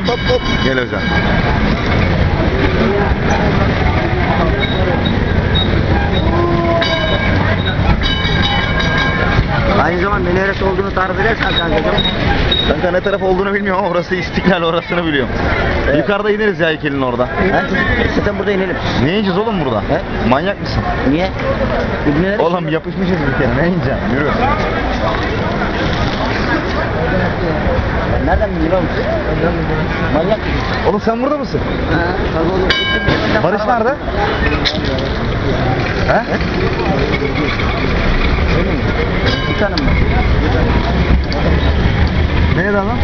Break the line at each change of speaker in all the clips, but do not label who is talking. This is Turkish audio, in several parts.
hop.
Gel hocam.
Aynı zamanda neresi olduğunu tarif edersen kankacığım.
Kanka ne taraf olduğunu bilmiyorum ama orası İstiklal, orasını biliyorum.
Evet.
Yukarıda ineriz ya heykelin orada.
He? Zaten burada inelim.
Ne yiyeceğiz oğlum burada?
He?
Manyak mısın?
Niye? İbneler
Oğlum yapışmışız bir kere, ne yiyeceğim? Yürü.
Nereden biliyor musun? Manyak mısın?
Oğlum sen burada mısın?
Ha, tabii oğlum.
Barış nerede? He?
Bir tanem var.
Nerede lan?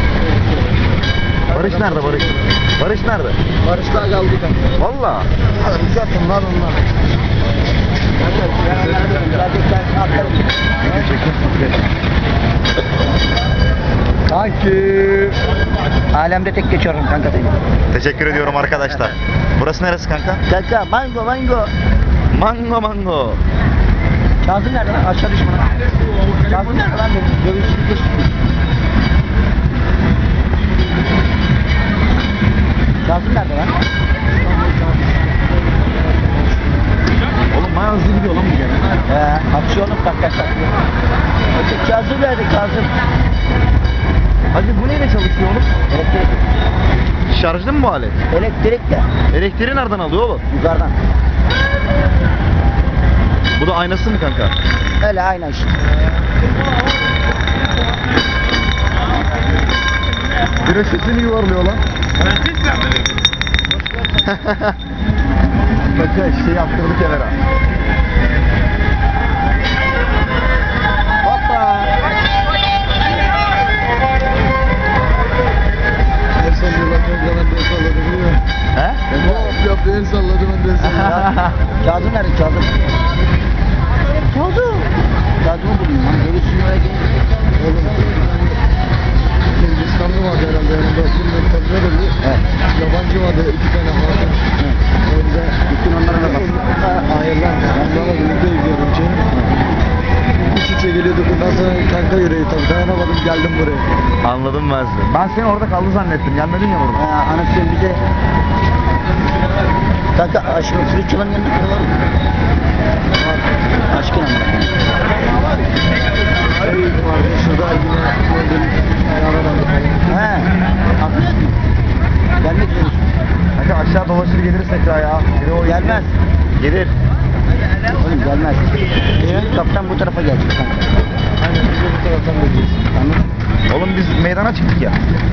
Barış nerede Barış? Barış nerede?
Barışlar kaldı kanka.
Valla.
Uzatın lan onlar.
Kanki.
Alemde tek geçiyorum kanka seni.
Teşekkür ediyorum arkadaşlar. Burası neresi kanka?
Kanka mango.
Mango.
Kazım nerede lan? Aşağı düşme lan. Kazım nerede lan benim? Dövüşçülük geçti. Kazım nerede lan?
Oğlum bayağı hızlı gidiyor lan bu gene.
Aksiyonluk arkadaşlar. Kazım nerede Kazım?
Hadi bu neyle çalışıyor oğlum?
Elektrik.
Şarjlı mı bu alet?
Elektrik de.
Elektriği nereden alıyor oğlum?
Yukarıdan.
Bu da aynası mı kanka?
Öyle aynen işte.
Güneş sesini yuvarlıyor lan. Kanka şey yaptırdı kenara.
Hoppa.
El sallıyorlar kanka, ben de el salladım biliyor musun?
He?
Hop yaptı, el salladı, ben de el salladım.
Kazım nerede Kazım? Kazım. Kazım'ı bulayım lan. Dövüşçülüğe oraya gelince.
Oğlum, Hindistanlı vardı herhalde yanımda, bilmiyorum tabii ne dedi.
Evet.
Yabancı vardı, 2 tane vardı. Orada
Gittin onlara da bak.
hayır lan, onlarla birlikte izliyordum canım. İç içe geliyorduk, ondan sonra kanka yüreği tabii, dayanamadım, geldim buraya.
Anladım ben sizi. Ben seni orada kaldı zannettim. Gelmedin ya burada.
Anasını bize... Kanka aşkın fırçaların yanında kalalım. Aşkın anlat.
Vardı, şurada yine gördüm, yaralandı falan.
He. Anlıyor musun? Gelmek üzere.
Kanka aşağı dolaşır geliriz tekrar ya. Biri o
Gelmez.
Gelir.
Oğlum gelmez. Kaptan bu tarafa gelecek kanka.
Aynen, biz de bu taraftan geleceğiz.
Anladın mı?
Oğlum biz meydana çıktık ya.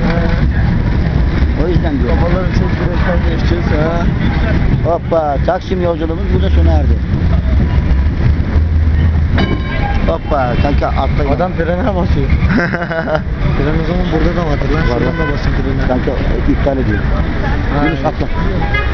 O yüzden diyor.
Kafaları çok direkten geçeceğiz ha.
Hoppa. Taksim yolculuğumuz burada sona erdi. Hoppa. Kanka atlayın.
Adam frene basıyor. Fren o zaman burada da vardır lan.
Var,
Şuradan
var.
da basın frene.
Kanka iptal ediyor.
Ha,
Yunus
evet.
atla.